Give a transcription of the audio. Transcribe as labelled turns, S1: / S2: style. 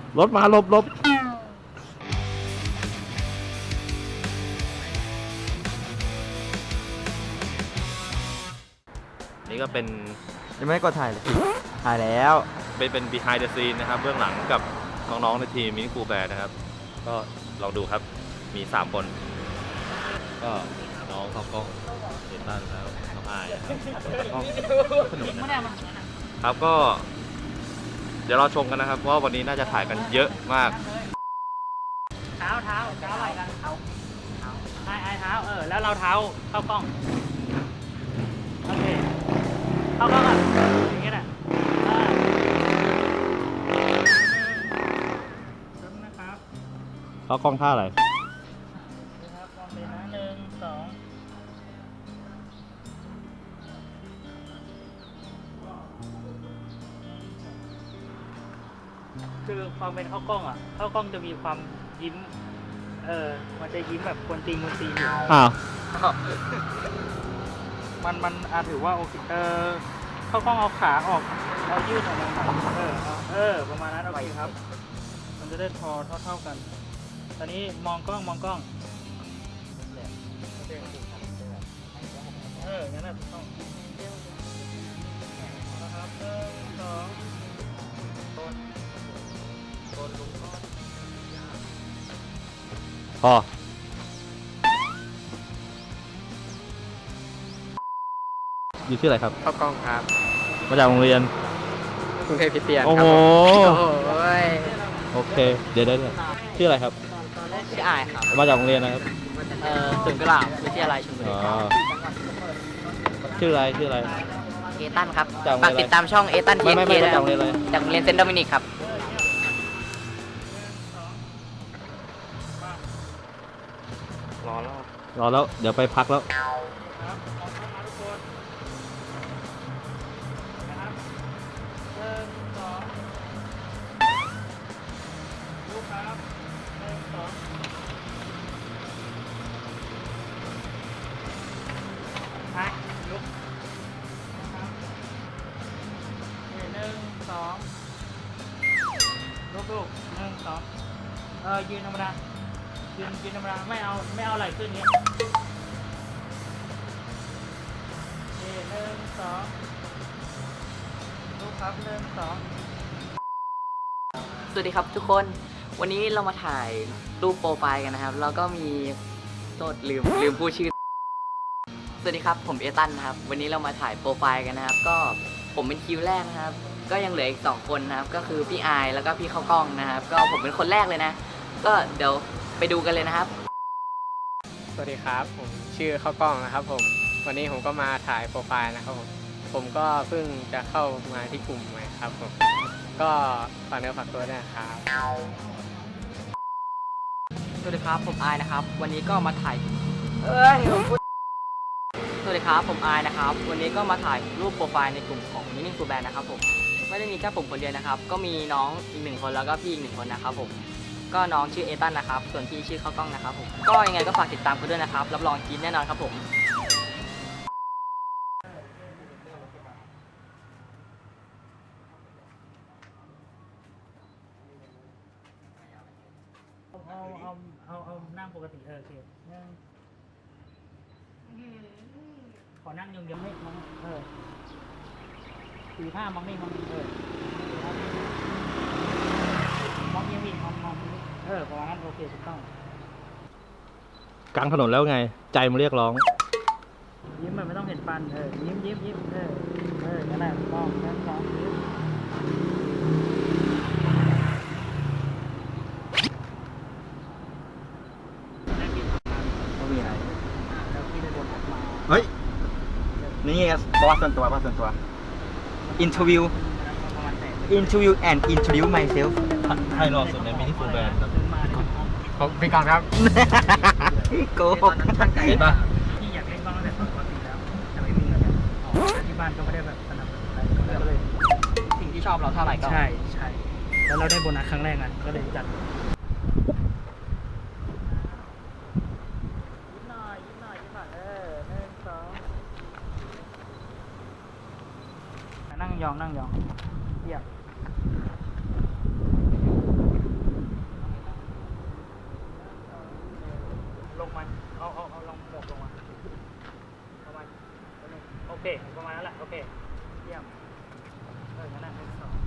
S1: รถมาหลบหลบนี่ก็เป็น
S2: ยังไม่ได้กดถ่ายเลยถ่ายแล้ว
S1: เป็น behind the scene นะครับเบื้องหลังกับน้องๆในทีมมินิคูลแบร์นะครับก็ลองดูครับมี3คนก็น้องเขาก็เดนตันแล้วน้องอายนะครับสนุกนะครับก็เดี๋ยวเราชมกันนะครับเพราะว่าวันนี้น่าจะถ่ายกันเยอะมาก
S3: เท้าอะไรกันเท้าไอ้เท้าแล้วเราเท้าเข้ากล้องโอเคเข้ากล้องอ่ะอย่างเงี้ยแหละนะครับ
S1: เขากล้องท่าอะไร
S3: นะครับมองเลยนะ1 2คือความเป็นเข้ากล้องอ่ะเข้ากล้องจะมีความยิ้มมันจะยิ้มแบบคนตีอยู่
S1: อ้าว
S3: มันถือว่าโอเคเข้ากล้องเอาขาออกเอายืดออกมาประมาณนั้นโอเคครับ มันจะได้เท่ากัน ตอนนี้มองกล้องงั้นน่ะถูกต้องนะครับ1 2ต้นลุงก้อน
S1: พออยู่ชื่ออะไรครับ
S2: เข้ากล้องครับ
S1: มาจากโรงเรียน
S2: กรุงเทพคริสเตียน
S1: โอ้โห
S2: โอเค
S1: เดี๋ยวชื่ออะไรครับ
S2: ชื่ออายครับ
S1: มาจากโรงเรียนนะครับ
S2: ศูนย์กุหลาบวิทยาลัยชลบุรีครับ
S1: ชื่ออะไร
S2: เอตันครับ
S1: จากโรงเรียนอะไร
S2: ฝากติดตามช่องเอตันที
S1: ไม่
S2: เนะ
S1: จากโรงเรียนอะไร
S2: จากโรงเรียนเซนต์โดมินิกครับรอ
S1: แล้วเดี๋ยวไปพักแล้ว
S3: ลูก1 2ยืนธรรมดายืนธรรมดาไม่เอาไหล่ขึ้นนี้1 2ลูกครับ1 2
S2: สวัสดีครับทุกคนวันนี้เรามาถ่ายรูปโปรไฟล์กันนะครับแล้วก็มีโทษลืมพูดชื่อสวัสดีครับผมเอตันนะครับวันนี้เรามาถ่ายโปรไฟล์กันนะครับก็ผมเป็นคิวแรกนะครับก็ยังเหลืออีก2คนนะครับก็คือพี่อายแล้วก็พี่เข้ากล้องนะครับก็ผมเป็นคนแรกเลยนะก็เดี๋ยวไปดูกันเลยนะครับ
S4: สวัสดีครับผมชื่อเข้ากล้องนะครับผมวันนี้ผมก็มาถ่ายโปรไฟล์นะครับผมก็เพิ่งจะเข้ามาที่กลุ่มใหม่ครับผมก็ฝากเนื้อฝากตัวด้วยนะครับ
S2: สวัสดีครับผมอายนะครับวันนี้ก็มาถ่ายสวัสดีครับผมอายนะครับวันนี้ก็มาถ่ายรูปโปรไฟล์ในกลุ่มของมินิคูลแบนนะครับผมไม่ได้มีแค่ผมคนเดียวนะครับก็มีน้องอีก1คนแล้วก็พี่อีก1คนนะครับผมก็น้องชื่อเอตันนะครับส่วนพี่ชื่อเข้ากล้องนะครับผมก็ยังไงก็ฝากติดตามกันด้วยนะครับรับรองกินแน่นอนครับผม
S3: เอานั่งปกติโอเคขอนั่งยองๆให้มอง45มองนี่มองนี่มองยังมีมองประมาณนั้นโอเคถูกต้อง
S1: กลางถนนแล้วไงใจมันเรียกร้อง
S3: ยิ้มมันไม่ต้องเห็นฟันยิ้มนั่นแหละถูกต้องยิ้ม
S2: มีอะไร
S3: แล้วพี่ได้บนออกมา
S2: เฮ้ยนี่บอสส่วนตัวinterview and introduce myself
S1: ให้รอสุดในมินิคูลแบนครับ
S4: ผมไปก่อนครับ
S2: โกหก
S1: เห็นปะ
S3: พี่อยากเล่นบ้างตั้งแต่ปกติแล้วแต่ไม่มีเงินที่บ้านก็ไม่ได้แบบสนับสนุนอะไรก็เลย
S2: สิ่งที่ชอบเราเท่าไหร่ก็
S3: ใช่แล้วเราได้โบนัสครั้งแรกนะก็เลยจัดยิ้มหน่อย1 2นั่งยองเรียบเคประมาณนั้นแหละโอเคเยี่ยมงั้นนะ1 2